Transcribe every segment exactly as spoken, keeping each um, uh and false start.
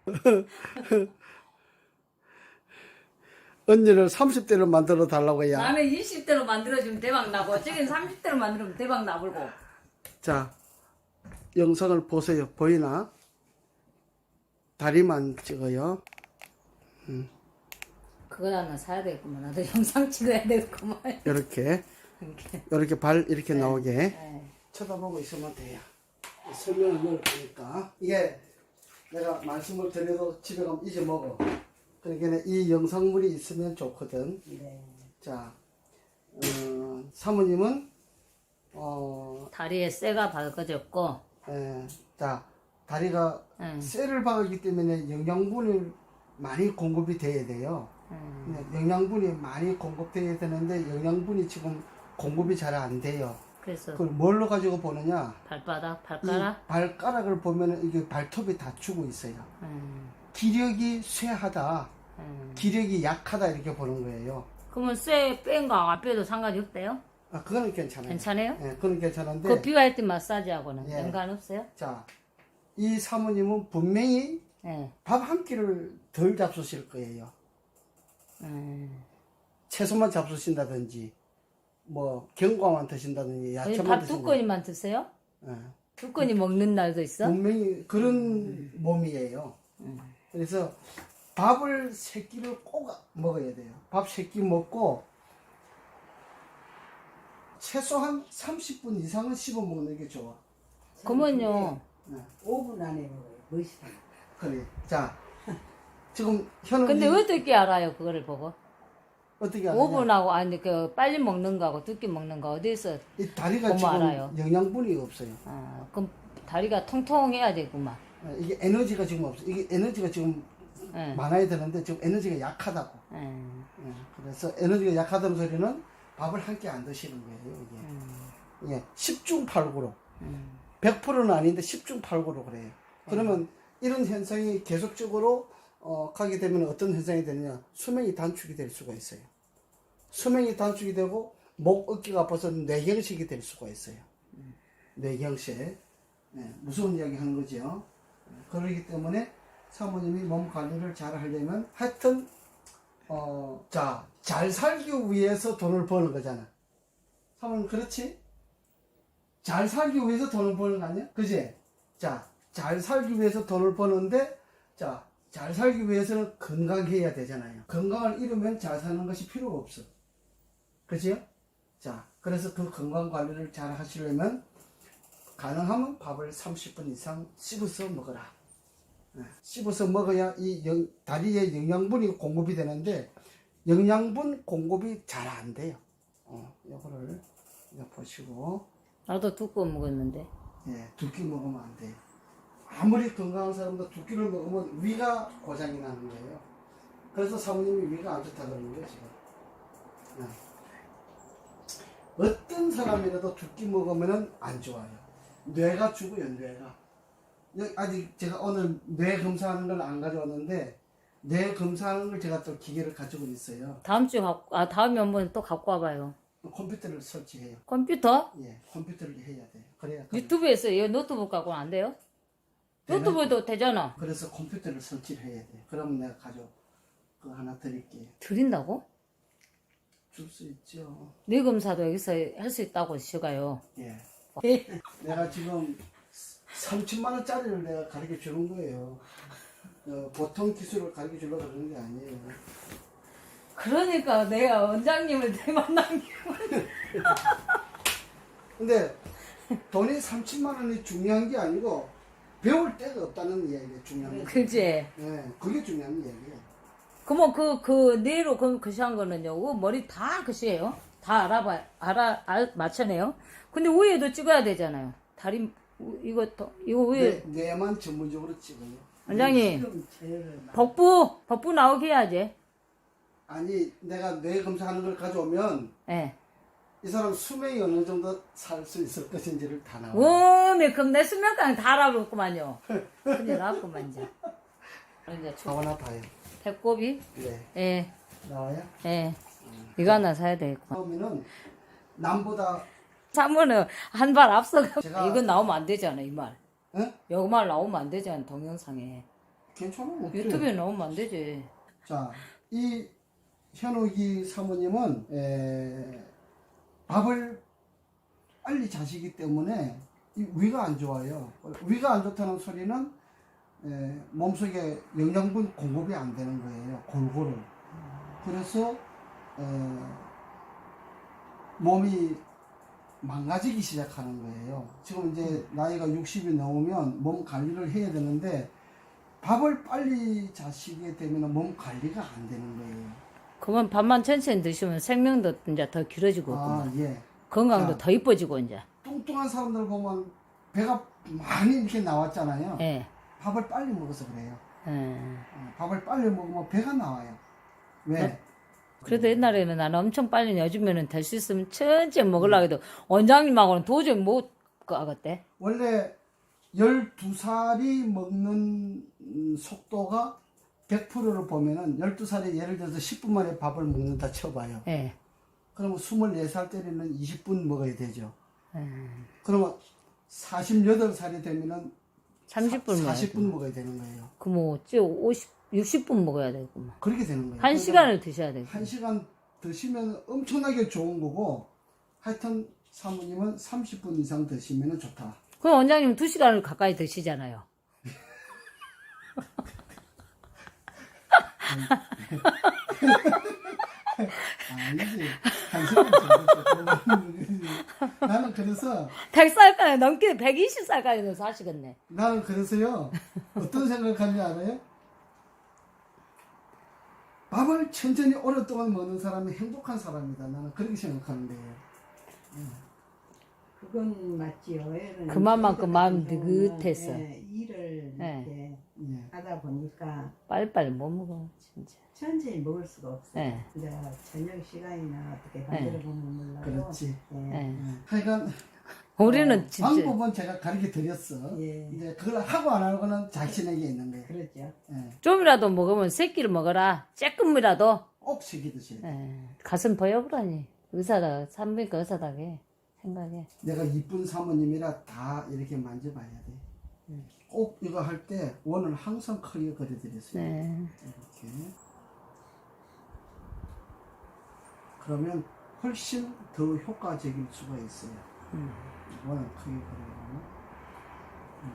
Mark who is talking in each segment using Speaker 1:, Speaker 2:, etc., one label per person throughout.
Speaker 1: 언니를 삼십 대로 만들어 달라고 해야.
Speaker 2: 나는 이십 대로 만들어주면 대박 나고 저긴 삼십 대로 만들면 대박 나불고.
Speaker 1: 자, 영상을 보세요. 보이나? 다리만 찍어요. 음,
Speaker 2: 그거 하나 사야 되겠구만. 나도 영상 찍어야 되겠구만.
Speaker 1: 이렇게.
Speaker 2: 이렇게.
Speaker 1: 이렇게 발 이렇게 나오게.
Speaker 2: 네.
Speaker 1: 쳐다보고 있으면 돼요. 설명을 넣을 테니까. 이게 내가 말씀을 드려도 집에 가면 잊어먹어. 그러니까 이 영상물이 있으면 좋거든.
Speaker 2: 네.
Speaker 1: 자, 어, 사모님은, 어,
Speaker 2: 다리에 쇠가 박아졌고,
Speaker 1: 에, 자, 다리가
Speaker 2: 응.
Speaker 1: 쇠를 박았기 때문에 영양분이 많이 공급이 돼야 돼요.
Speaker 2: 음.
Speaker 1: 근데 영양분이 많이 공급돼야 되는데 영양분이 지금 공급이 잘 안 돼요.
Speaker 2: 그래서
Speaker 1: 그걸 뭘로 가지고 보느냐?
Speaker 2: 발바닥,
Speaker 1: 이
Speaker 2: 발가락.
Speaker 1: 발가락을 보면 이게 발톱이 다추고 있어요.
Speaker 2: 음.
Speaker 1: 기력이 쇠하다,
Speaker 2: 음.
Speaker 1: 기력이 약하다 이렇게 보는 거예요.
Speaker 2: 그러면 쇠 뺀 거 안 빼도 상관이 없대요?
Speaker 1: 아, 그거는 괜찮아요.
Speaker 2: 괜찮아요?
Speaker 1: 예, 그건 괜찮은데.
Speaker 2: 그 비와이트 마사지하고는
Speaker 1: 예.
Speaker 2: 연관 없어요?
Speaker 1: 자, 이 사모님은 분명히
Speaker 2: 네.
Speaker 1: 밥 한 끼를 덜 잡수실 거예요.
Speaker 2: 음.
Speaker 1: 채소만 잡수신다든지, 뭐 경과만 드신다든지,
Speaker 2: 아니,
Speaker 1: 야채만
Speaker 2: 밥 두
Speaker 1: 드신다든지.
Speaker 2: 건이만 드세요?
Speaker 1: 예.
Speaker 2: 두 건이 먹는 날도 있어?
Speaker 1: 분명히 그런 몸이에요.
Speaker 2: 음.
Speaker 1: 그래서 밥을 세 끼를 꼭 먹어야 돼요. 밥 세 끼 먹고 최소한 삼십 분 이상은 씹어 먹는 게 좋아.
Speaker 2: 그러면요.
Speaker 1: 네.
Speaker 3: 오 분 안에 먹어요. 멋있다.
Speaker 1: 그래. 자, 지금 현우
Speaker 2: 근데 어떻게 알아요, 그거를 보고?
Speaker 1: 어떻게 하느냐?
Speaker 2: 오 분하고, 아니, 그, 빨리 먹는 거하고 두끼 먹는 거 어디서,
Speaker 1: 이 다리가
Speaker 2: 보면
Speaker 1: 지금
Speaker 2: 알아요.
Speaker 1: 영양분이 없어요.
Speaker 2: 아, 그럼 다리가 통통해야 되구만.
Speaker 1: 네, 이게 에너지가 지금 없어. 이게 에너지가 지금
Speaker 2: 예.
Speaker 1: 많아야 되는데 지금 에너지가 약하다고.
Speaker 2: 예.
Speaker 1: 예, 그래서 에너지가 약하다는 소리는 밥을 한 끼 안 드시는 거예요. 이게.
Speaker 2: 음.
Speaker 1: 예, 십중팔구로.
Speaker 2: 음.
Speaker 1: 백 퍼센트는 아닌데 십중팔구로 그래요. 그러면 이런 현상이 계속적으로 어, 가게 되면 어떤 현상이 되느냐? 수명이 단축이 될 수가 있어요. 수명이 단축이 되고 목, 어깨가 아파서 뇌경색이 될 수가 있어요. 뇌경색. 네, 무서운 이야기 하는 거죠. 그러기 때문에 사모님이 몸 관리를 잘 하려면 하여튼 어, 자, 잘 살기 위해서 돈을 버는 거잖아. 사모님 그렇지? 잘 살기 위해서 돈을 버는 거 아니야? 그지? 자, 잘 살기 위해서 돈을 버는데, 자, 잘 살기 위해서는 건강해야 되잖아요. 건강을 잃으면 잘 사는 것이 필요가 없어. 그지요? 자, 그래서 그 건강 관리를 잘 하시려면, 가능하면 밥을 삼십 분 이상 씹어서 먹어라. 네, 씹어서 먹어야 이 영, 다리에 영양분이 공급이 되는데, 영양분 공급이 잘 안 돼요. 어, 요거를 이제 보시고,
Speaker 2: 나도 두 건 먹었는데.
Speaker 1: 예, 두 끼 먹으면 안 돼요. 아무리 건강한 사람도 두 끼를 먹으면 위가 고장이 나는 거예요. 그래서 사모님이 위가 안 좋다 그러는 거예요, 지금. 네. 어떤 사람이라도 두 끼 먹으면 안 좋아요. 뇌가 죽어요, 뇌가. 여기 아직 제가 오늘 뇌 검사하는 걸 안 가져왔는데, 뇌 검사하는 걸 제가 또 기계를 가지고 있어요.
Speaker 2: 다음 주 갖고, 아, 다음에 한번 또 갖고 와봐요.
Speaker 1: 컴퓨터를 설치해요.
Speaker 2: 컴퓨터?
Speaker 1: 예, 컴퓨터를 해야 돼요. 그래야.
Speaker 2: 유튜브에서 이 노트북 갖고는 안 돼요?
Speaker 1: 되는-
Speaker 2: 노트북도 되잖아.
Speaker 1: 그래서 컴퓨터를 설치를 해야 돼요. 그러면 내가 가져 그 하나 드릴게요.
Speaker 2: 드린다고?
Speaker 1: 줄 수 있죠.
Speaker 2: 뇌 검사도 여기서 할 수 있다고 시가요.
Speaker 1: 예. 내가 지금 삼천만 원짜리를 내가 가르쳐 주는 거예요. 어, 보통 기술을 가르쳐 주려고 그러는 게 아니에요.
Speaker 2: 그러니까 내가 원장님을 내 만난 게.
Speaker 1: 근데 돈이 삼천만 원이 중요한 게 아니고 배울 데가 없다는 이야기가 중요한 거예요.
Speaker 2: 그지?
Speaker 1: 예, 그게 중요한 이야기예요.
Speaker 2: 그러면 그, 그, 뇌로 그, 그시한 거는요, 그 머리 다 그시예요? 다 알아봐, 알아, 알, 맞춰내요? 근데 위에도 찍어야 되잖아요. 다리, 이거, 또, 이거 위에.
Speaker 1: 뇌, 뇌만 전문적으로 찍어요.
Speaker 2: 원장님,
Speaker 3: 지금 제일
Speaker 2: 복부, 복부 나오게 해야지.
Speaker 1: 아니, 내가 뇌 검사하는 걸 가져오면
Speaker 2: 예.
Speaker 1: 이 사람 수명이 어느 정도 살 수 있을 것인지를 다 나와요.
Speaker 2: 워메, 그럼 내 수면까지 다 알아볼구만요. 큰일 났구만, 이제. 이제 초-
Speaker 1: 하나 봐요.
Speaker 2: 배꼽이?
Speaker 1: 네.
Speaker 2: 예,
Speaker 1: 나와요?
Speaker 2: 예. 이거 하나 사야 되겠구만.
Speaker 1: 처음에는 남보다
Speaker 2: 사모는 한 발 앞서가.
Speaker 1: 제가-
Speaker 2: 이건 나오면 안 되잖아, 이 말.
Speaker 1: 응?
Speaker 2: 여기 말 나오면 안 되잖아, 동영상에.
Speaker 1: 괜찮아. 어때?
Speaker 2: 유튜브에 나오면 안 되지.
Speaker 1: 자, 이 현욱이 사모님은 에, 밥을 빨리 자시기 때문에 이 위가 안 좋아요. 위가 안 좋다는 소리는 에, 몸속에 영양분 공급이 안 되는 거예요. 골고루. 그래서 에, 몸이 망가지기 시작하는 거예요. 지금 이제 나이가 육십이 넘으면 몸 관리를 해야 되는데 밥을 빨리 자시게 되면 몸 관리가 안 되는 거예요.
Speaker 2: 그러면 밥만 천천히 드시면 생명도 이제 더 길어지고
Speaker 1: 아, 예.
Speaker 2: 건강도
Speaker 1: 자.
Speaker 2: 더 이뻐지고 이제.
Speaker 1: 뚱뚱한 사람들 보면 배가 많이 이렇게 나왔잖아요.
Speaker 2: 예.
Speaker 1: 밥을 빨리 먹어서 그래요.
Speaker 2: 예.
Speaker 1: 어, 밥을 빨리 먹으면 배가 나와요. 왜?
Speaker 2: 네? 그래도 옛날에는 나는 엄청 빨리 요즘에는 될 수 있으면 천천히 먹으려고 해도 원장님하고는 도저히 못 가겠대.
Speaker 1: 원래 열두 살이 먹는 음, 속도가 백 퍼센트를 보면은 열두 살이 예를 들어서 십 분 만에 밥을 먹는다 쳐봐요.
Speaker 2: 예.
Speaker 1: 그러면 스물네 살 때는 이십 분 먹어야 되죠.
Speaker 2: 예.
Speaker 1: 그러면 사십여덟 살이 되면은
Speaker 2: 삼십 분 먹어야
Speaker 1: 사십 분 먹어야 되는 거예요.
Speaker 2: 그뭐 어째 오십, 육십 분 먹어야 되구만.
Speaker 1: 그렇게 되는 거예요.
Speaker 2: 한
Speaker 1: 그러니까
Speaker 2: 시간을 드셔야 되고.
Speaker 1: 한 시간 드시면 엄청나게 좋은 거고, 하여튼 사모님은 삼십 분 이상 드시면 좋다.
Speaker 2: 그럼 원장님 두 시간을 가까이 드시잖아요.
Speaker 1: 아니지. 한 시간 정도. 나는 그래서,
Speaker 2: 백 살까지 넘게 백이십 살까지는 사시겠네.
Speaker 1: 나는 그래서요, 어떤 생각하는지 알아요? 밥을 천천히 오랫동안 먹는 사람이 행복한 사람이다. 나는 그렇게 생각하는데요.
Speaker 3: 그건 맞지요. 애는
Speaker 2: 그만큼 마음
Speaker 3: 저희들 같은
Speaker 2: 느긋했어.
Speaker 3: 경우는, 예, 일을
Speaker 2: 예.
Speaker 3: 이렇게
Speaker 1: 예.
Speaker 3: 하다 보니까
Speaker 2: 빨리빨리 못 먹어, 진짜.
Speaker 3: 천천히 먹을 수가 없어요.
Speaker 2: 예.
Speaker 3: 이제 저녁 시간이나 어떻게 만들어 보면 몰라요.
Speaker 1: 그렇지.
Speaker 3: 예.
Speaker 2: 예.
Speaker 1: 하여간,
Speaker 2: 우리는
Speaker 1: 어,
Speaker 2: 진짜.
Speaker 1: 방법은 제가 가르쳐 드렸어.
Speaker 3: 예.
Speaker 1: 이제 그걸 하고 안 하고는 자신에게 있는 거예요.
Speaker 3: 그렇죠.
Speaker 1: 예.
Speaker 2: 좀이라도 먹으면 새끼를 먹어라. 조금이라도.
Speaker 1: 꼭 새기 드셔야 돼.
Speaker 2: 예. 가슴 보여보라니. 의사다, 산부인과 의사다게 생각해.
Speaker 1: 내가 이쁜 사모님이라 다 이렇게 만져봐야 돼. 꼭 이거 할 때 원을 항상 크게 그려드렸어요.
Speaker 2: 네.
Speaker 1: 이렇게. 그러면 훨씬 더 효과적일 수가 있어요.
Speaker 2: 음.
Speaker 1: 원을 크게 그려요. 음.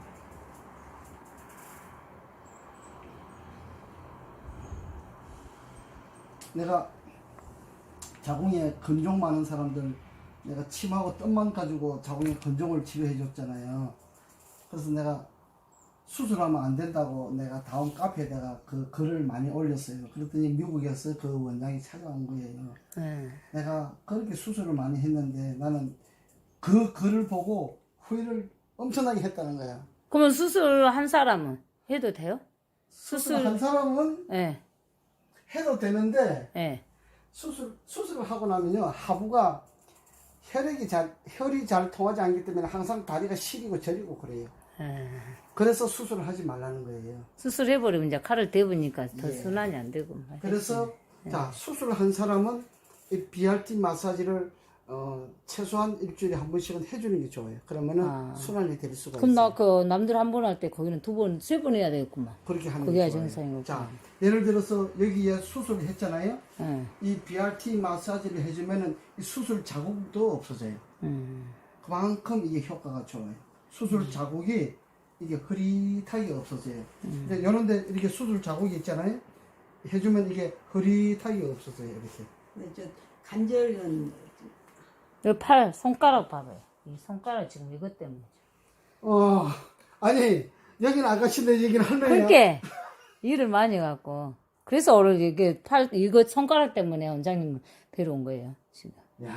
Speaker 1: 내가 자궁에 근종 많은 사람들 내가 침하고 뜸만 가지고 자궁에 근종을 치료해 줬잖아요. 그래서 내가 수술하면 안 된다고 내가 다음 카페에다가 그 글을 많이 올렸어요. 그랬더니 미국에서 그 원장이 찾아온 거예요.
Speaker 2: 네.
Speaker 1: 내가 그렇게 수술을 많이 했는데 나는 그 글을 보고 후회를 엄청나게 했다는 거야.
Speaker 2: 그러면 수술 한 사람은 해도 돼요?
Speaker 1: 수술
Speaker 2: 수술,
Speaker 1: 한 사람은
Speaker 2: 예,
Speaker 1: 해도 되는데
Speaker 2: 예.
Speaker 1: 수술, 수술을 하고 나면요, 하부가 혈액이 잘, 혈이 잘 통하지 않기 때문에 항상 다리가 시리고 저리고 그래요.
Speaker 2: 예.
Speaker 1: 그래서 수술을 하지 말라는 거예요.
Speaker 2: 수술해버리면 이제 칼을 대보니까 더
Speaker 1: 예.
Speaker 2: 순환이 안 되고.
Speaker 1: 그래서, 자, 수술을 한 사람은 이 비알티 마사지를, 어, 최소한 일주일에 한 번씩은 해주는 게 좋아요. 그러면은
Speaker 2: 아.
Speaker 1: 순환이 될 수가
Speaker 2: 그럼
Speaker 1: 있어요.
Speaker 2: 나 그 남들 한 번 할 때 거기는 두 번, 세 번 해야 되겠구만.
Speaker 1: 그렇게 하는
Speaker 2: 그게
Speaker 1: 게 좋아요.
Speaker 2: 정상이고.
Speaker 1: 자, 예를 들어서 여기에 수술을 했잖아요.
Speaker 2: 예.
Speaker 1: 이 비알티 마사지를 해주면은 이 수술 자국도 없어져요.
Speaker 2: 음.
Speaker 1: 그만큼 이게 효과가 좋아요. 수술 자국이 이게 흐릿하게 없어져요. 근데 이런데 이렇게 수술 자국이 있잖아요. 해주면 이게 흐릿하게 없어져요. 이렇게.
Speaker 3: 근데 저 관절은
Speaker 2: 이 팔, 손가락 봐봐요. 이 손가락 지금 이것 때문에.
Speaker 1: 어, 아니 여기는 아가씨인데 여기는 할머니야.
Speaker 2: 그렇게 일을 많이 해갖고. 그래서 오늘 이게 팔, 이거 손가락 때문에 원장님 뵈러 온 거예요, 지금.
Speaker 1: 야,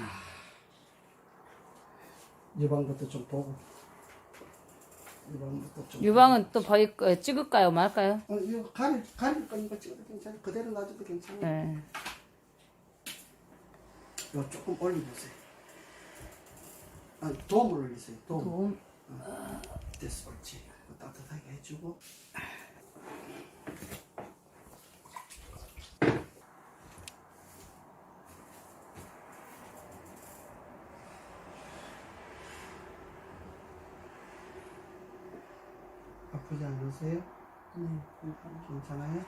Speaker 1: 유방 것도 좀 보고. 유방 것도 좀.
Speaker 2: 유방은 또 보일 거, 찍을까요, 말까요?
Speaker 1: 어, 이거 가릴 가릴 거니까 찍어도 괜찮아. 그대로 놔줘도 괜찮아.
Speaker 2: 네.
Speaker 1: 이거 조금 올려보세요. 아, 도움을 올리세요. 도움.
Speaker 2: 도움.
Speaker 1: 어, 됐어, 옳지. 이거 따뜻하게 해주고. 아프지 않으세요?
Speaker 3: 네, 괜찮아요.
Speaker 1: 괜찮아요?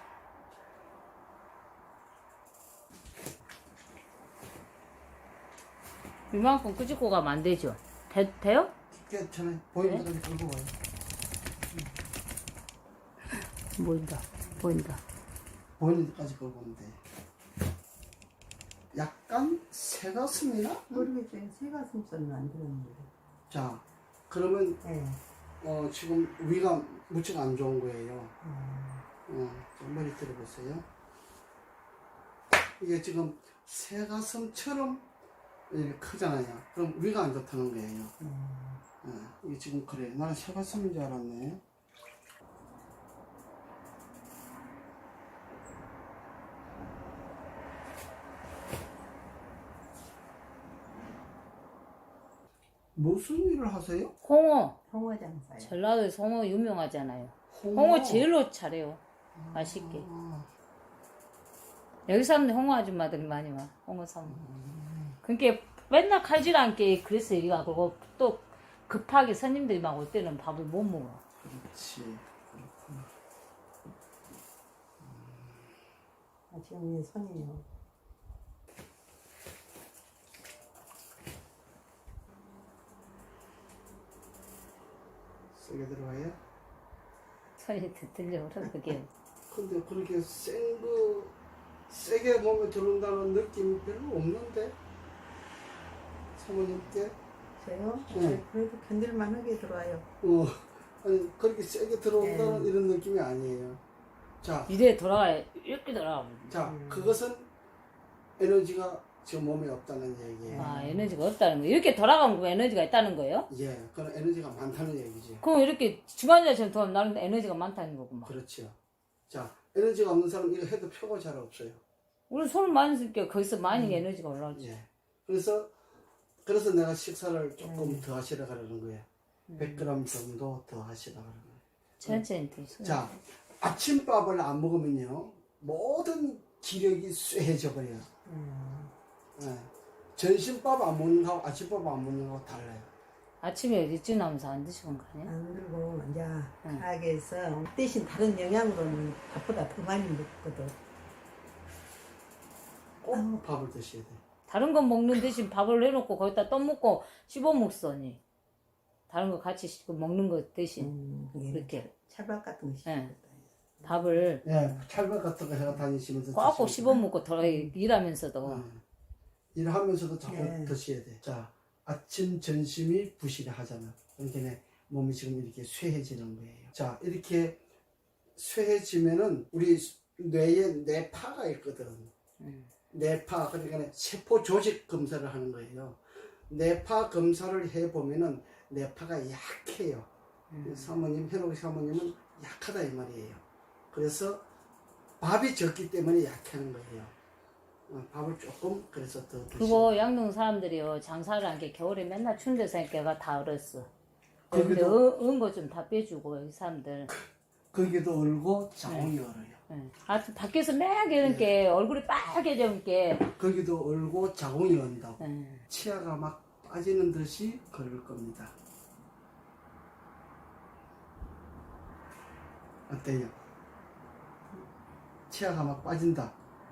Speaker 2: 이만큼 끄집고 가면 안 되죠? 돼, 돼요?
Speaker 1: 괜찮아요. 보이는 데까지 끌고 와요.
Speaker 2: 보인다. 보인다.
Speaker 1: 보이는 데까지 끌고 오면 돼. 약간 새가슴이나?
Speaker 3: 모르겠어요. 새가슴살은 안 들었는데.
Speaker 1: 자, 그러면
Speaker 3: 네.
Speaker 1: 어, 지금 위가 무척 안 좋은 거예요.
Speaker 3: 음,
Speaker 1: 어, 자, 머리 들어보세요. 이게 지금 새가슴처럼 이렇게 크잖아요. 그럼 위가 안 좋다는 거예요.
Speaker 3: 음.
Speaker 1: 어, 이게 지금 그래. 나는 새가슴인 줄 알았네. 무슨 일을 하세요?
Speaker 2: 홍어.
Speaker 3: 홍어 장사요.
Speaker 2: 전라도에서 홍어 유명하잖아요.
Speaker 1: 홍어.
Speaker 2: 홍어 제일로 잘해요. 맛있게.
Speaker 1: 아,
Speaker 2: 여기 사는 홍어 아줌마들이 많이 와. 홍어 사면. 그러니까 맨날 칼질 않게 그래서 이리가 그리고 또 급하게 손님들이 막 올 때는 밥을 못 먹어.
Speaker 1: 그렇지. 그렇구나.
Speaker 3: 아, 지금 이 손이요.
Speaker 1: 세게 들어가요?
Speaker 2: 손이 들려 그러게.
Speaker 1: 근데 그렇게 센 거, 세게 몸에 들어온다는 느낌이 별로 없는데? 사모님께?
Speaker 3: 저요?
Speaker 1: 네.
Speaker 3: 네, 그래도 견딜만하게 들어와요.
Speaker 1: 어, 아니, 그렇게 세게 들어온다는
Speaker 3: 네.
Speaker 1: 이런 느낌이 아니에요. 자,
Speaker 2: 이래 돌아가야 이렇게 돌아가.
Speaker 1: 자,
Speaker 3: 음.
Speaker 1: 그것은 에너지가 지금 몸에 없다는 얘기예요.
Speaker 2: 아 에너지가 없다는 거. 이렇게 돌아가면 그 에너지가 있다는 거예요?
Speaker 1: 예, 그건 에너지가 많다는 얘기지.
Speaker 2: 그럼 이렇게 주간자처럼 돌아면 나는 에너지가 많다는 거구만.
Speaker 1: 그렇죠. 자, 에너지가 없는 사람 이거 해도 표가 잘 없어요.
Speaker 2: 우리 손을 많이 쓸게 거기서 많이 에너지가 올라오지.
Speaker 1: 예. 그래서, 그래서 내가 식사를 조금
Speaker 3: 음.
Speaker 1: 더 하시라 그러는 거예요. 백 그램 정도 더 하시라 그러는 거예요.
Speaker 2: 천천히 드시고.
Speaker 1: 자, 아침밥을 안 먹으면요, 모든 기력이 쇠해져 버려요.
Speaker 3: 음.
Speaker 1: 예. 점심밥 안 먹는 거하고 아침밥 안 먹는 거하고 달라요.
Speaker 2: 아침에 일찍 나면서 안 드시는 거 아니야?
Speaker 3: 안 들고 이제 가게에서 대신 다른 영양으로는 밥보다 더 많이 먹거든.
Speaker 1: 꼭 밥을 드셔야 돼.
Speaker 2: 다른 거 먹는 대신 밥을 해놓고 거기다 떡 먹고 씹어 먹더니 다른 거 같이 씹고 먹는 거 대신
Speaker 3: 음, 그게
Speaker 2: 이렇게
Speaker 3: 찰밥 같은 거
Speaker 2: 예.
Speaker 3: 씹었다.
Speaker 2: 밥을
Speaker 1: 예, 찰밥 같은 거 해가 다니시면서
Speaker 2: 꽉꼭
Speaker 1: 드시면
Speaker 2: 씹어 먹고 돌아 일하면서도
Speaker 1: 예. 일하면서도 자꾸
Speaker 3: 예.
Speaker 1: 드셔야 돼. 자, 아침, 점심이 부실하잖아. 그러니까 몸이 지금 이렇게 쇠해지는 거예요. 자, 이렇게 쇠해지면은 우리 뇌에 뇌파가 있거든.
Speaker 2: 음.
Speaker 1: 뇌파, 그러니까 세포 조직 검사를 하는 거예요. 뇌파 검사를 해보면은 뇌파가 약해요. 사모님, 현옥 사모님은 약하다 이 말이에요. 그래서 밥이 적기 때문에 약하는 거예요. 어, 밥을 조금 그래서 더 드시고.
Speaker 2: 그리고 양동 사람들이요 장사를 한 게 겨울에 맨날 추운 데서 하니까 다 얼었어. 근데
Speaker 1: 거기도
Speaker 2: 은거 좀 다 빼주고 이 사람들.
Speaker 1: 거기도 얼고 자궁이 얼어요.
Speaker 2: 예. 아 밖에서 막 이렇게 얼굴이 빨개져 있게.
Speaker 1: 거기도 얼고 자궁이 언다고.
Speaker 2: 예.
Speaker 1: 치아가 막 빠지는 듯이 걸을 겁니다. 어때요? 치아가 막 빠진다.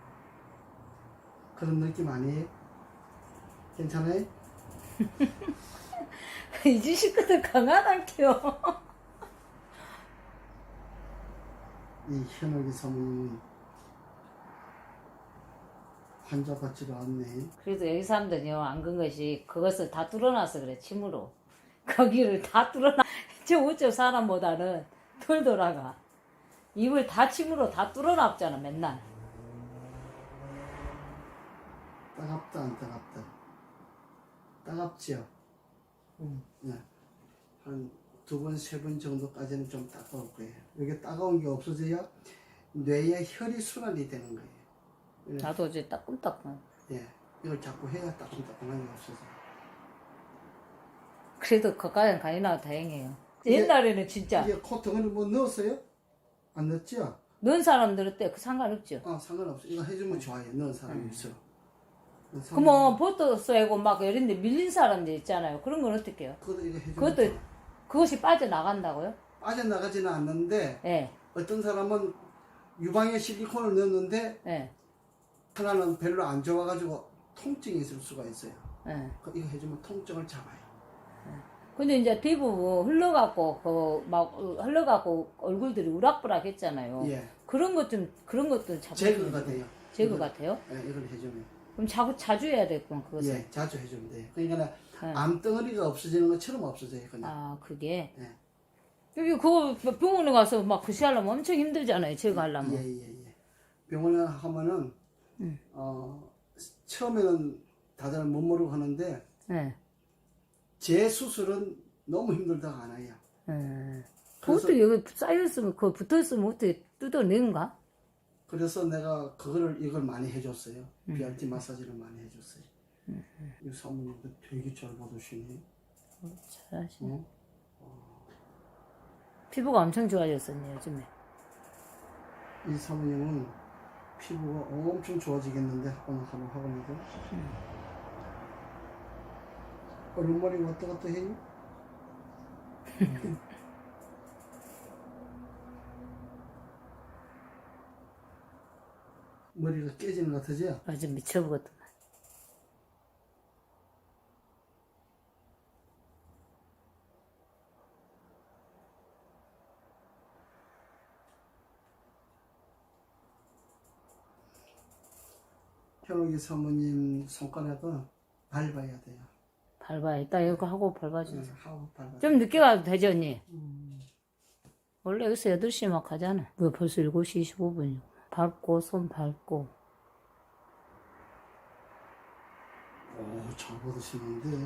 Speaker 1: 그런 느낌 아니에요? 괜찮아요?
Speaker 2: 이제 식구들 강하단겨.
Speaker 1: 이 현옥이 사모님은 환자 같지도 않네.
Speaker 2: 그래도 여기 사람들은요 안 근 것이 그것을 다 뚫어놔서 그래 침으로. 거기를 다 뚫어놔. 저 우쪽 사람보다는 덜 돌아가. 입을 다 침으로 다 뚫어놨잖아 맨날.
Speaker 1: 따갑다 안 따갑다? 따갑지요?
Speaker 3: 음.
Speaker 1: 네. 한 두 번, 세 번 정도까지는 좀 따가울 거예요. 이게 따가운 게 없어져야 뇌에 혈이 순환이 되는 거예요. 예.
Speaker 2: 나도 이제 따끔따끔.
Speaker 1: 예. 이걸 자꾸 해야 따끔따끔한 게 없어져요.
Speaker 2: 그래도 거기까지는 가이 나와 다행이에요.
Speaker 1: 이게-
Speaker 2: 옛날에는 진짜
Speaker 1: 이게 코통을 뭐 넣었어요? 안 넣었죠?
Speaker 2: 넣은 사람들은 때그 상관없죠.
Speaker 1: 아, 상관없어. 이거 해주면 좋아요. 넣은 사람이 있어. 넣은 사람이-
Speaker 2: 그러면 보트 쏘고 막 이런데 밀린 사람들 있잖아요. 그런 건 어떻게 해요?
Speaker 1: 그것도 이거 해주면
Speaker 2: 그것도
Speaker 1: 좋아.
Speaker 2: 그것이 빠져나간다고요?
Speaker 1: 빠져나가지는 않는데
Speaker 2: 예.
Speaker 1: 어떤 사람은 유방에 실리콘을 넣었는데
Speaker 2: 예.
Speaker 1: 하나는 별로 안 좋아가지고 통증이 있을 수가 있어요.
Speaker 2: 예.
Speaker 1: 그 이거 해주면 통증을 잡아요.
Speaker 2: 근데 이제 피부 흘러갖고 그 막 흘러갖고 얼굴들이 우락부락 했잖아요.
Speaker 1: 예.
Speaker 2: 그런 것 좀 그런 것도 잡
Speaker 1: 제거가 돼요.
Speaker 2: 제거
Speaker 1: 이걸-
Speaker 2: 같아요.
Speaker 1: 예, 이걸 해주면.
Speaker 2: 그럼 자꾸 자주 해야 되겠구만 그것을.
Speaker 1: 예, 자주 해주면 돼요. 그러니까
Speaker 2: 네.
Speaker 1: 암덩어리가 없어지는 것처럼 없어져요. 그냥.
Speaker 2: 아 그게.
Speaker 1: 예.
Speaker 2: 여기 그거 병원에 가서 막 그시 하려면 엄청 힘들잖아요. 제거하려면.
Speaker 1: 예, 예, 예. 병원에 하면은
Speaker 2: 음.
Speaker 1: 어, 처음에는 다들 못 모르고 하는데
Speaker 2: 예.
Speaker 1: 재수술은 너무 힘들다고 안 해요.
Speaker 2: 예.
Speaker 1: 그래서-
Speaker 2: 그것도 여기 쌓였으면 그거 붙어있으면 어떻게 뜯어내는가?
Speaker 1: 그래서 내가 그거를 이걸 많이 해줬어요.
Speaker 2: 음.
Speaker 1: 비알티 마사지를 많이 해줬어요. 이 사모님도 되게 잘 받으시네.
Speaker 2: 잘하시네.
Speaker 1: 어?
Speaker 2: 피부가 엄청 좋아졌었네 요즘에.
Speaker 1: 이 사모님은 피부가 엄청 좋아지겠는데 오늘 한번 하고 나서 얼음머리 왔다 갔다 해요? 머리가 깨지는 것 같으죠?
Speaker 2: 완전 미쳐버렸다.
Speaker 1: 현욱이 사모님 손가락은 밟아야 돼요.
Speaker 2: 밟아야 이따 이거 하고 밟아주세요.
Speaker 1: 응, 하고 밟아야
Speaker 2: 좀 늦게 가도 되죠 언니?
Speaker 1: 음.
Speaker 2: 원래 여기서 여덟 시 막 가잖아. 왜 벌써 일곱 시 이십오 분이고. 밟고 손 밟고.
Speaker 1: 오, 잘 받으시는데.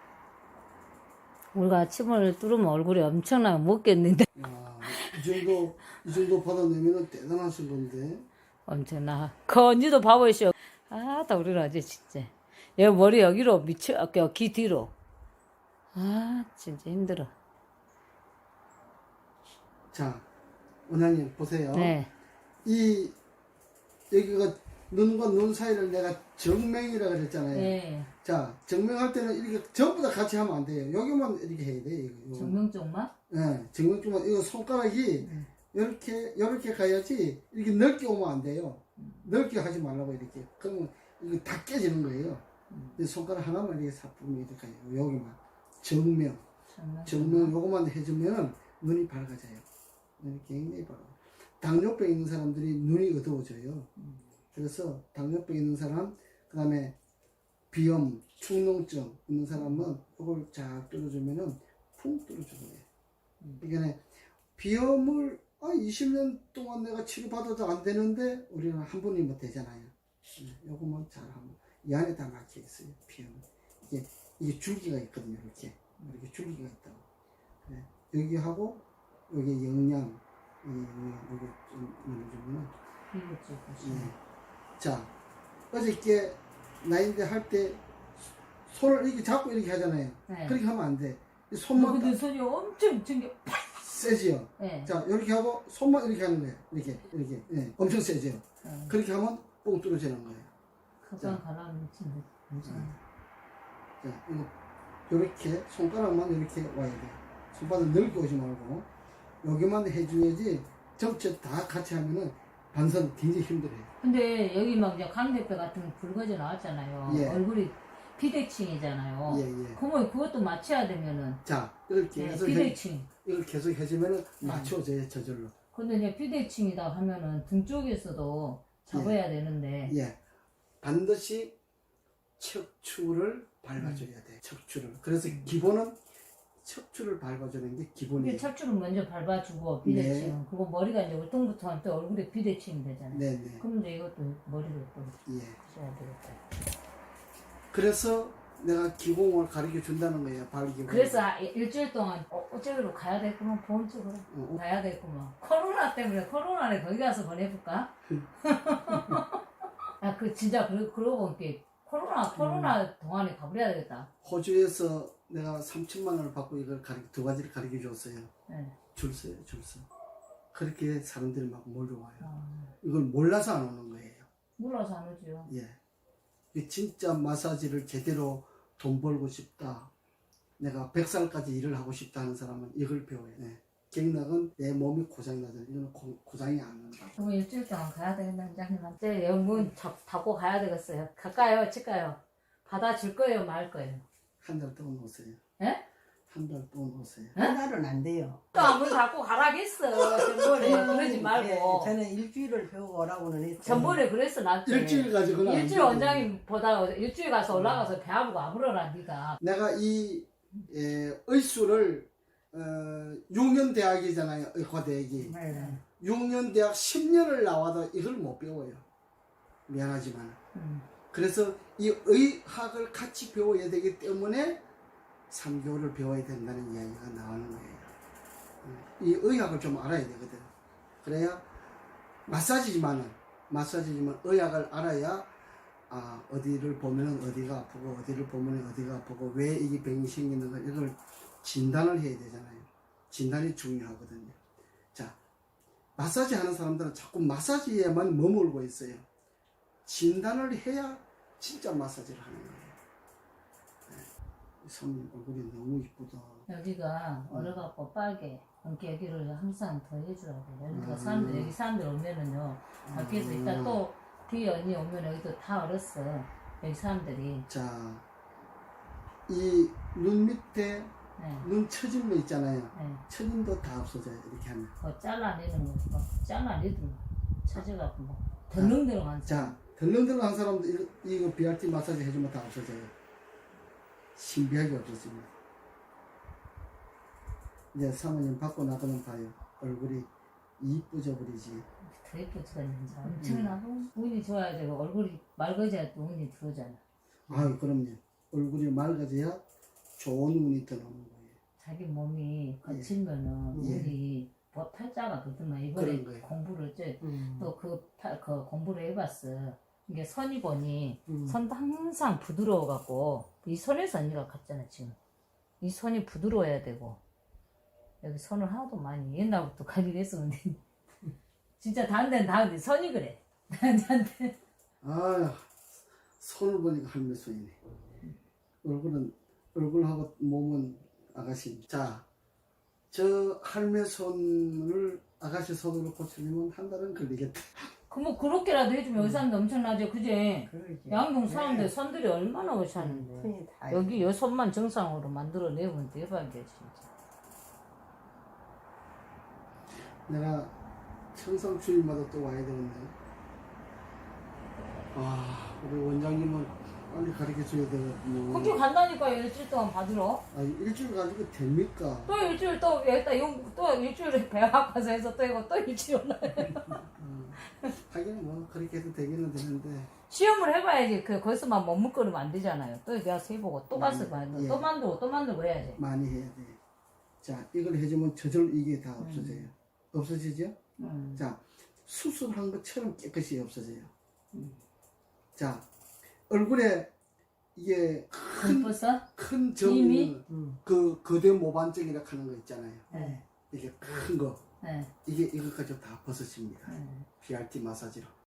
Speaker 2: 우리가 아침을 뚫으면 얼굴이 엄청나게 먹겠는데.
Speaker 1: 야, 이 정도, 이 정도 받아내면 대단하신 건데.
Speaker 2: 엄청나. 그 언니도 봐보시오. 아, 나 우리는 아주 진짜. 여기 머리 여기로 미쳐, 어, 귀 뒤로. 아, 진짜 힘들어.
Speaker 1: 자, 원장님 보세요.
Speaker 2: 네.
Speaker 1: 이 여기가 눈과 눈 사이를 내가 정명이라 그랬잖아요.
Speaker 2: 네.
Speaker 1: 자, 정명할 때는 이렇게 전부 다 같이 하면 안 돼요. 여기만 이렇게 해야 돼. 이거. 이거.
Speaker 2: 정명 쪽만?
Speaker 1: 네, 정명 쪽만 이거 손가락이
Speaker 2: 네.
Speaker 1: 이렇게 이렇게 가야지 이렇게 넓게 오면 안 돼요. 넓게 하지 말라고 이렇게. 그러면 이거 다 깨지는 거예요. 이 손가락 하나만 이렇게 사품이 이렇게 가요. 여기만 정명,
Speaker 2: 정명.
Speaker 1: 정명 요거만 해주면 눈이 밝아져요. 눈이 굉장히 밝아. 당뇨병 있는 사람들이 눈이 어두워져요. 그래서 당뇨병 있는 사람, 그 다음에 비염, 축농증 있는 사람은 이걸 쫙 뚫어주면은 푹 뚫어주는 거예요. 그러니까 비염을 아, 이십 년 동안 내가 치료받아도 안 되는데 우리는 한 번이면 되잖아요. 요거만 잘하면 이 안에 다 막혀 있어요. 비염. 이게 이게 줄기가 있거든요. 이렇게 이렇게 줄기가 있다고. 네. 여기 하고 여기 영양 이 여기 좀 눌러주면.
Speaker 2: 이거 쪽.
Speaker 1: 네. 자, 어저께 나인데 할 때 손을 이렇게 잡고 이렇게 하잖아요.
Speaker 2: 네.
Speaker 1: 그렇게 하면 안 돼. 이
Speaker 2: 어,
Speaker 1: 손만
Speaker 2: 근데
Speaker 1: 딱
Speaker 2: 손이 엄청 튕겨.
Speaker 1: 세지요.
Speaker 2: 네.
Speaker 1: 자, 이렇게 하고 손만 이렇게 하는 거예요. 이렇게 이렇게. 예, 엄청 세지요.
Speaker 2: 네.
Speaker 1: 그렇게 하면 뽕 뚫어지는 거예요.
Speaker 2: 가장 가라앉는 친구. 괜찮아.
Speaker 1: 자, 이거 이렇게 손가락만 이렇게 와야 돼요. 손바닥 넓게 오지 말고 여기만 해줘야지 전체 다 같이 하면은 반선 굉장히 힘들어요.
Speaker 2: 근데 여기 막 이제 강대뼈 같은 거 붉어져 나왔잖아요.
Speaker 1: 예.
Speaker 2: 얼굴이 피대칭이잖아요.
Speaker 1: 예, 예.
Speaker 2: 그러면 그것도 맞춰야 되면은
Speaker 1: 자, 이렇게
Speaker 2: 네,
Speaker 1: 해서 해,
Speaker 2: 피대칭.
Speaker 1: 이걸 계속 해주면은 맞춰져요, 저절로.
Speaker 2: 근데 이제 피대칭이다 하면은 등 쪽에서도 잡아야 되는데
Speaker 1: 예. 반드시 척추를 밟아줘야 돼. 척추를. 그래서 기본은 척추를 밟아주는 게
Speaker 2: 이게
Speaker 1: 기본이에요.
Speaker 2: 척추를 먼저 밟아주고 피대칭. 그리고 머리가 이제 울퉁불퉁하면 또 얼굴에 피대칭이 되잖아요.
Speaker 1: 네, 네.
Speaker 2: 그럼 이제 이것도 머리를 또
Speaker 1: 예.
Speaker 2: 하셔야 되겠다.
Speaker 1: 그래서 내가 기공을 가르쳐 준다는 거예요. 발기공.
Speaker 2: 그래서 아, 일주일 동안 어, 어쩌기로 가야 되겠구만 보험 쪽으로
Speaker 1: 어, 어.
Speaker 2: 가야 되겠구만. 코로나 때문에 코로나를 거기 가서 보내볼까? 아 그 진짜 그러, 그러고 이렇게 코로나 코로나
Speaker 1: 음.
Speaker 2: 동안에 가버려야 되겠다.
Speaker 1: 호주에서 내가 삼천만 원을 받고 이걸 가르, 두 가지를 가르쳐 줬어요.
Speaker 2: 네.
Speaker 1: 줄 서요, 줄 서. 그렇게 사람들이 막 몰려와요.
Speaker 2: 아,
Speaker 1: 이걸 몰라서 안 오는 거예요.
Speaker 2: 몰라서 안 오지요.
Speaker 1: 예. 이 진짜 마사지를 제대로 돈 벌고 싶다. 내가 백 살까지 일을 하고 싶다 하는 사람은 이걸 배워야 돼. 경락은 내 몸이 고장나잖아. 이거는 고, 고장이 안 난다.
Speaker 2: 그럼 일주일 동안 가야 되겠네, 원장님한테. 여기 문 닫고 가야 되겠어요. 갈까요? 칠까요? 받아줄 거예요? 말 거예요?
Speaker 1: 한 달 동안 오세요.
Speaker 2: 예?
Speaker 1: 한 달 동안 오세요.
Speaker 3: 한 달은 안 돼요.
Speaker 2: 또 문 닫고 가라겠어. 전번에 그러지 말고.
Speaker 3: 예, 저는 일주일을 배우고 오라고는 했어요.
Speaker 2: 전번에 그랬어, 나한테.
Speaker 1: 일주일 가지고는 안
Speaker 2: 일주일
Speaker 1: 되거든요.
Speaker 2: 원장님보다 일주일 가서 올라가서 배 아프고 아물어라, 네가.
Speaker 1: 내가 이 에, 의수를 어, 육 년 대학이잖아요. 의과대학이.
Speaker 3: 네.
Speaker 1: 육 년 대학 십 년을 나와도 이걸 못 배워요. 미안하지만.
Speaker 2: 음.
Speaker 1: 그래서 이 의학을 같이 배워야 되기 때문에 삼 개월을 배워야 된다는 이야기가 나오는 거예요. 이 의학을 좀 알아야 되거든. 그래야 마사지지만은 마사지지만 의학을 알아야 아 어디를 보면은 어디가 아프고 어디를 보면 어디가 아프고 왜 이게 병이 생기는가 이걸 진단을 해야 되잖아요. 진단이 중요하거든요. 자, 마사지 하는 사람들은 자꾸 마사지에만 머물고 있어요. 진단을 해야 진짜 마사지를 하는 거예요. 네. 손 얼굴이 너무 이쁘다.
Speaker 2: 여기가 얼어갖고 빨개. 그러니까 여기를 항상 더 해줘야 돼. 여기가
Speaker 1: 음.
Speaker 2: 사람들, 여기 사람들 오면은요, 밖에서
Speaker 1: 음.
Speaker 2: 이따 또 뒤에 언니 오면 여기도 다 얼었어. 여기 사람들이.
Speaker 1: 자, 이 눈 밑에
Speaker 2: 네.
Speaker 1: 눈 처진 거 있잖아요.
Speaker 2: 네.
Speaker 1: 처짐도 다 없어져요. 이렇게 하면.
Speaker 2: 그거 잘라내는 거, 막 잘라내도 찾아갖고 뭐, 덜렁덜렁한
Speaker 1: 자, 덜렁덜렁한 사람도 이거, 이거 비알티 마사지 해주면 다 없어져요. 신비하게 없어집니다. 이제 사모님 받고 나가면 봐요. 얼굴이 이쁘져 버리지.
Speaker 2: 더 예뻐지겠는지 엄청나고 운이 좋아야 되고 얼굴이 맑아져야 또 운이 들어오잖아.
Speaker 1: 아유, 그럼요. 얼굴이 맑아져야 좋은 운이 들어오는 거예요.
Speaker 2: 자기 몸이 거칠면은
Speaker 1: 예.
Speaker 2: 운이 뭐 팔자가 그렇더만
Speaker 1: 그런
Speaker 2: 이번에
Speaker 1: 거예요.
Speaker 2: 공부를 이제
Speaker 3: 음.
Speaker 2: 또그 그 공부를 해봤어. 이게 선이 보니
Speaker 3: 음.
Speaker 2: 선도 항상 부드러워갖고 이 선에서 언니가 갔잖아 지금. 이 선이 부드러워야 되고 여기 선을 하나도 많이 옛날부터 가지고 했었는데 진짜 다른 데는 다른데 선이 그래. 나한테.
Speaker 1: 아, 손을 보니까 할매 손이네. 얼굴은 얼굴하고 몸은 아가씨. 자, 저 할매 손을 아가씨 손으로 고치려면 한 달은 걸리겠다.
Speaker 2: 그뭐 그렇게라도 해주면 여기 사람들 엄청나죠, 그지?
Speaker 3: 그러지.
Speaker 2: 양동 사람들
Speaker 3: 네.
Speaker 2: 손들이 얼마나 오셨는데.
Speaker 3: 손이 다
Speaker 2: 여기 여 손만 정상으로 만들어내면 대박이야 진짜.
Speaker 1: 내가 청상 주일마다 또 와야 되는데. 와, 우리 원장님은 빨리 가르쳐 줘야 되거든요.
Speaker 2: 그렇게 간다니까 일주일 동안 받으러.
Speaker 1: 아, 일주일 가지고 됩니까?
Speaker 2: 또 일주일 또 여기다 용, 또 일주일에 배 아파서 해서 또 이거 또 일주일 올라요.
Speaker 1: 음, 하긴 뭐 그렇게 해도 되기는 되는데.
Speaker 2: 시험을 해봐야지. 그 거기서만 머뭇거리면 안 되잖아요. 또 내가 세보고 또 가서 봐야 돼.
Speaker 1: 예.
Speaker 2: 또 만들고 또 만들고 해야지.
Speaker 1: 많이 해야 돼. 자, 이걸 해주면 저절 이게 다 없어져요. 없어지죠?
Speaker 2: 음.
Speaker 1: 자, 수술한 것처럼 깨끗이 없어져요.
Speaker 2: 음.
Speaker 1: 자, 얼굴에 이게 큰,
Speaker 2: 벌써?
Speaker 1: 큰
Speaker 2: 이미?
Speaker 1: 점,
Speaker 3: 음.
Speaker 1: 그 거대 모반증이라 하는 거 있잖아요.
Speaker 2: 네.
Speaker 1: 이게 큰 거.
Speaker 2: 네.
Speaker 1: 이게 이것까지 다 벗어집니다.
Speaker 2: 네.
Speaker 1: 비알티 마사지로.